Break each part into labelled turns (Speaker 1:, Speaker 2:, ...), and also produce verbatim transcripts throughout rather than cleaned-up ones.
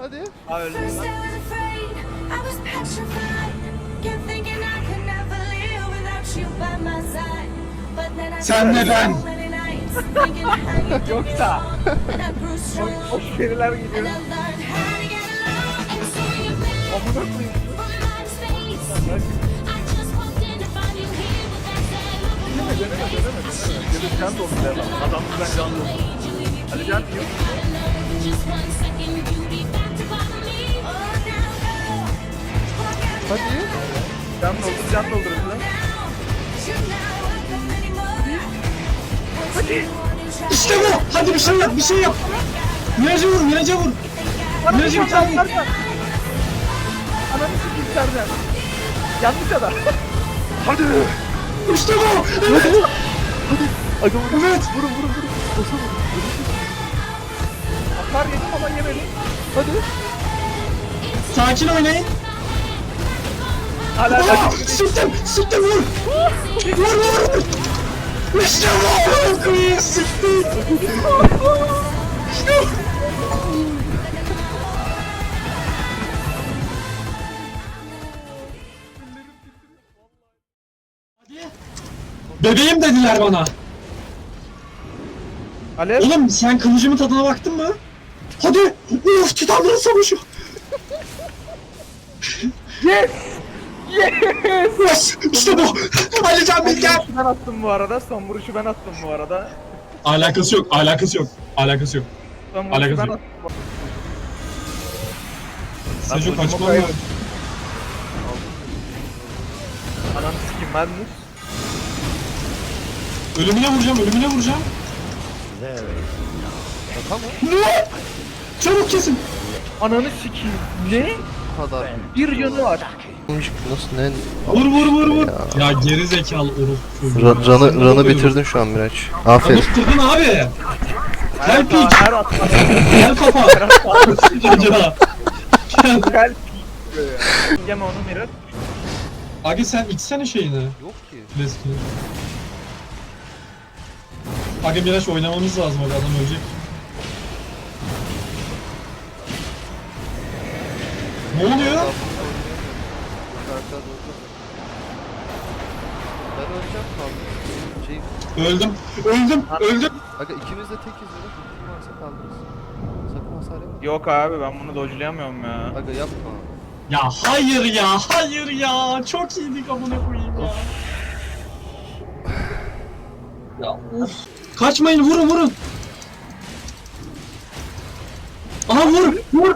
Speaker 1: Hadi.
Speaker 2: Aa öldüm lan.
Speaker 3: Sen de ben.
Speaker 2: Yoksa. Hoş periler gidiyor. Amına koyayım. Deneme deneme deneme deneme. Gelip can doldu adam. Adam ben can doldu. Hadi can yok.
Speaker 1: Hadi.
Speaker 2: Can doldur can doldur lan. Hadi.
Speaker 3: İşte bu. Hadi bir şey yap, bir şey yap. Miraca vur, Miraca vur. Miraca bir tane vur.
Speaker 2: Ananı sikeyim Sercan. Yanlış adam. Hadi.
Speaker 3: İşte bu. Evet.
Speaker 1: Aga vurun.
Speaker 3: Evet.
Speaker 1: Vurun vurun vurun. Boşa vurun.
Speaker 2: Atar yedim ama yemedim.
Speaker 1: Hadi.
Speaker 3: Sakin oynayın.
Speaker 2: Hala
Speaker 3: Aa, sıktım, sıktım vur. Vur vur. İşte bu. Koyayım sıktım. İşte bu. Bebeğim dediler bana.
Speaker 2: Alev.
Speaker 3: Oğlum sen kılıcımın tadına baktın mı? Hadi. Uf titanların savaşı.
Speaker 2: Yes. Yes.
Speaker 3: Yes. İşte bu. Ali Can Bilgen.
Speaker 2: Ben attım bu arada. Son vuruşu ben attım bu arada.
Speaker 3: Alakası yok. Alakası yok. Alakası yok.
Speaker 2: Son vuruşu
Speaker 3: Alakası
Speaker 2: ben
Speaker 3: yok.
Speaker 2: attım.
Speaker 3: Sejo
Speaker 2: Lan
Speaker 3: kaçma mı?
Speaker 2: koyayım. Ananı sikeyim ben mi?
Speaker 3: Ölümüne vuracağım. Ölümüne vuracağım.
Speaker 1: Şaka mı?
Speaker 3: Ne? Çabuk kesin.
Speaker 2: Ananı sikeyim. Ne?
Speaker 1: Bu kadar.
Speaker 2: Bir yanı var.
Speaker 1: Nasıl ne?
Speaker 3: Vur vur vur vur. Ya, geri zekalı orospu.
Speaker 4: Ra- Ranı, ranı bitirdin şu an Miraç. Aferin.
Speaker 3: Bitirdin abi.
Speaker 2: Her
Speaker 3: Gel piç.
Speaker 2: her at.
Speaker 3: Gel kafa. Ya. Gel.
Speaker 2: Gel. Yeme onu Mirat.
Speaker 3: Abi sen içsene şeyini.
Speaker 1: Yok ki.
Speaker 3: Leskini. Aga Miraç oynamamız lazım abi adam ölecek. Ne oluyor?
Speaker 1: Şarkı durdu. Ben öleceğim kaldım. Şey,
Speaker 3: Öldüm. Öldüm. Öldüm.
Speaker 1: aga ikimiz de tekiz ya. Kim varsa kaldırırız. Sakın hasar yapma.
Speaker 2: Yok abi ben bunu dodge'layamıyorum ya.
Speaker 1: Aga yapma.
Speaker 3: Ya hayır ya. Hayır ya. Çok iyiydik amına koyayım ya. Ya of. Kaçmayın vurun vurun. Aha vur vur.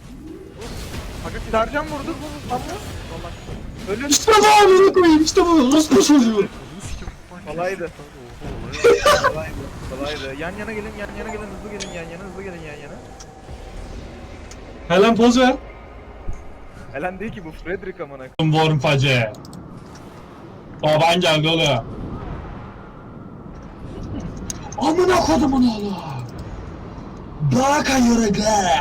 Speaker 2: Sercan vurdu. Tamam. Ölüm.
Speaker 3: İşte bu amına koyayım işte bu. Orospu çocuğu.
Speaker 2: Kolaydı. Kolaydı. Kolaydı. Yan yana gelin, yan yana gelin, hızlı gelin, yan yana, hızlı gelin, yan yana.
Speaker 3: Helen poz ver.
Speaker 2: Helen değil ki bu Frederick amına.
Speaker 3: Vormpacı. Baban geldi oluyor. Amına kodumun oğlu. Baka yürü be.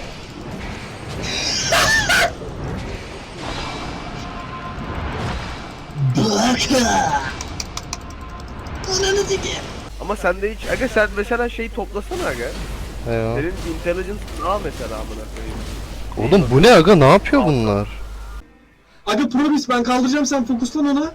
Speaker 3: Baka. Ananı sikeyim.
Speaker 1: Ama sen de hiç... Aga sen mesela şeyi toplasana aga.
Speaker 4: Eyvah.
Speaker 1: Senin intelligence al mesela amına koyayım.
Speaker 4: Oğlum bu ne aga, ne yapıyor bunlar?
Speaker 3: Abi Probis ben kaldıracağım sen fokuslan ona.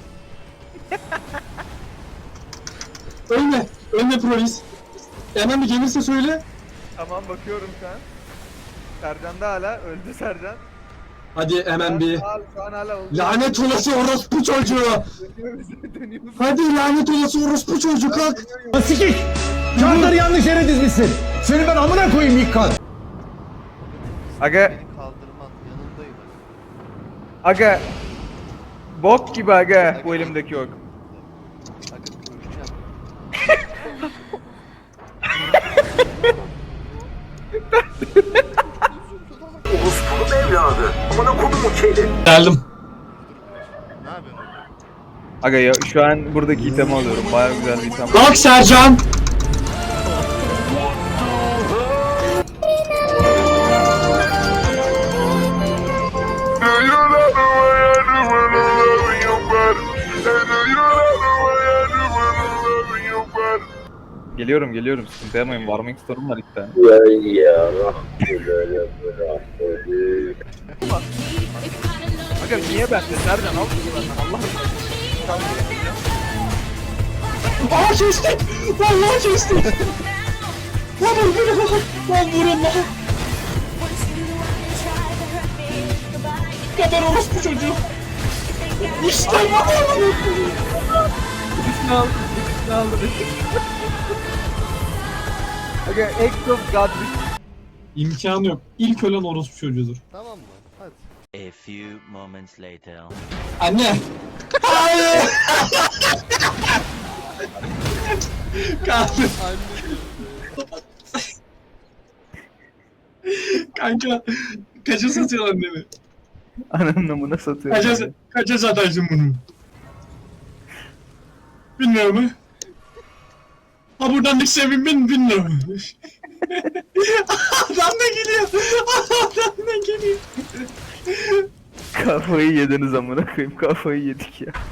Speaker 3: Ölme. Ölme Probis. Hemen bir gelirse söyle.
Speaker 2: Tamam bakıyorum şu an. Sercan da hala, öldü Sercan.
Speaker 3: Hadi hemen bir.
Speaker 2: Şu an, şu an hala oldu.
Speaker 3: Lanet olası orospu çocuğu.
Speaker 2: Dönüyoruz, dönüyoruz.
Speaker 3: Hadi lanet olası orospu çocuğu kalk.
Speaker 5: Sikik! Çanları yanlış yere dizmişsin. Seni ben amına koyayım ilk kan.
Speaker 2: Aga,
Speaker 1: Beni kaldırman yanındayım.
Speaker 2: aga. Bok gibi aga bu elimdeki yok.
Speaker 1: Aga öleceğim.
Speaker 3: Geldim.
Speaker 1: Ne yapıyorsun?
Speaker 2: Aga ya şu an buradaki itemi alıyorum. Bayağı güzel bir item.
Speaker 3: Kalk Sercan.
Speaker 2: Geliyorum geliyorum sıkıntı yapmayın. Warming store'um var iki tane. Aga niye bende? Nereden al bunu benden? Allah aşkına.
Speaker 3: Aa kestik. Vallahi kestik. Lan vur beni lan. Lan vurun lan. Kadar orospu çocuğu. İşte bu.
Speaker 2: Üstüne al. Üstüne al. Aga act of God.
Speaker 3: İmkanı yok. İlk ölen orospu çocuğudur.
Speaker 1: Tamam mı? Hadi.
Speaker 6: A few moments later.
Speaker 3: Anne. Hayır. Kanka. Kanka. Kaça satıyor annemi?
Speaker 2: Ananın namına satıyor.
Speaker 3: Kaça, kaça satarsın bunu? Bilmiyorum mu? Ha buradan düşsem bin bin lira mı? Adam da geliyor. Adam da geliyor.
Speaker 2: Kafayı yediniz amına koyayım. Kafayı yedik ya.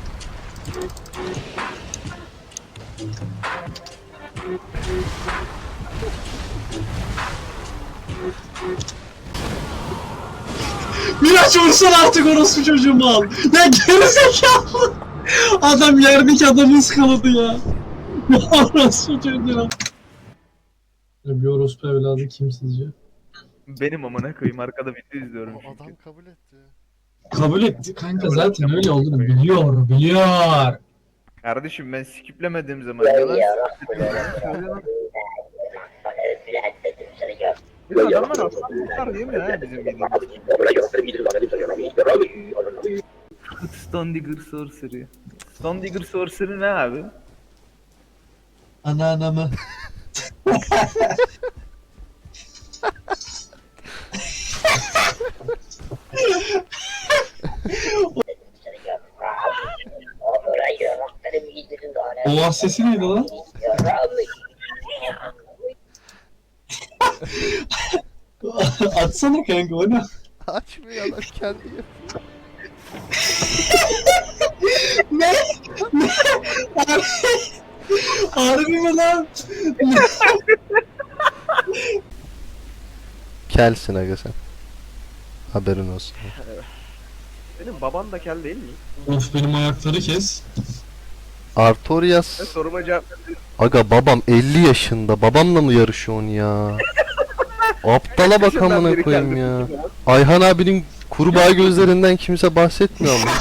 Speaker 3: Miraç vursan artık orospu çocuğumu al. Ya gerizekalı. Adam yerdeki adamı ıskaladı ya. Orospu çocuğu. Bir orospu evladı kim sizce?
Speaker 2: Benim amına koyayım arkada video izliyorum
Speaker 1: O
Speaker 2: çünkü.
Speaker 1: adam kabul etti.
Speaker 3: Kabul etti kanka zaten öyle olduğunu biliyor biliyor.
Speaker 2: Kardeşim ben skiplemediğim zaman yalan söylüyorum. Biz adamlar aslında değil mi ya bizim videomuz? Stone Digger Sorcery. Stone Digger Sorcery ne abi?
Speaker 3: Anneannemi. O sesi neydi lan? Atsana kanka o ne?
Speaker 1: Açmıyor adam kendi yapıyor.
Speaker 3: Ne? Ne? Harbi mi lan?
Speaker 4: Kelsin aga sen. Haberin olsun.
Speaker 2: Senin baban da kel değil mi?
Speaker 3: Of benim ayakları kes.
Speaker 4: Artorias.
Speaker 2: Ben soruma cevap
Speaker 4: Aga babam elli yaşında. Babamla mı yarışıyorsun ya? Aptala bak amına koyayım ya. Ayhan abinin kurbağa gözlerinden kimse bahsetmiyor mu?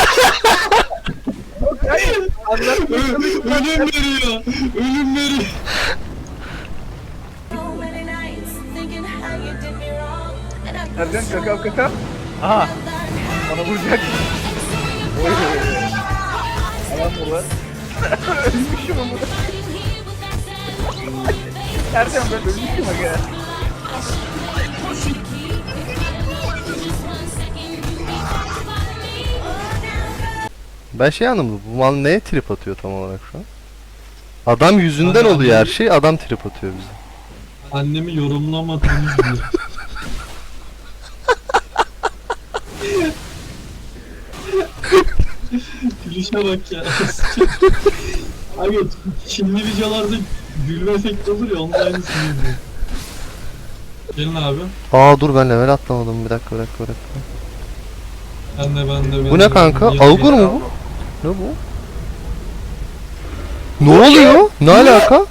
Speaker 3: Ö- ölüm veriyor. Ölüm veriyor.
Speaker 2: Ercan kakao kakao. Aha. Bana vuracak. Oy. Alan burada. Ölmüşüm ama. Ercan ben ölmüşüm aga.
Speaker 4: Ben şey anlamadım. Bu mal neye trip atıyor tam olarak şu an? Adam yüzünden
Speaker 3: Anne,
Speaker 4: oluyor her
Speaker 3: anne.
Speaker 4: şey. Adam trip atıyor bize.
Speaker 3: Annemi yorumlamadığını biliyor. Gülüşe bak ya. Abi Çinli videolarda gülme efekti olur ya onun aynısını yapıyor. Gelin abi.
Speaker 4: Aa dur ben level atlamadım. Bir dakika bir dakika bir dakika.
Speaker 3: Ben de ben de ben
Speaker 4: Bu
Speaker 3: de.
Speaker 4: ne kanka?
Speaker 3: Niye-
Speaker 4: Augur mu bu? Ne bu? Ne oluyor? Ne alaka?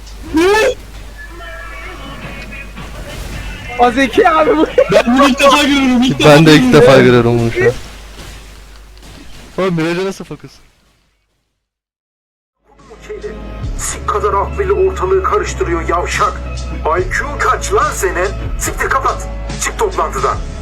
Speaker 2: Azeki abi bu.
Speaker 3: Ben bunu ilk defa görüyorum. İlk defa
Speaker 4: Ben de ilk
Speaker 3: görüyorum
Speaker 4: defa
Speaker 3: ya.
Speaker 4: görüyorum bunu şu an. Oğlum Miraç'a nasıl fokus?
Speaker 7: Sik kadar akbilli ortalığı karıştırıyor yavşak. I Q'un kaç lan senin? Siktir kapat. Çık toplantıdan.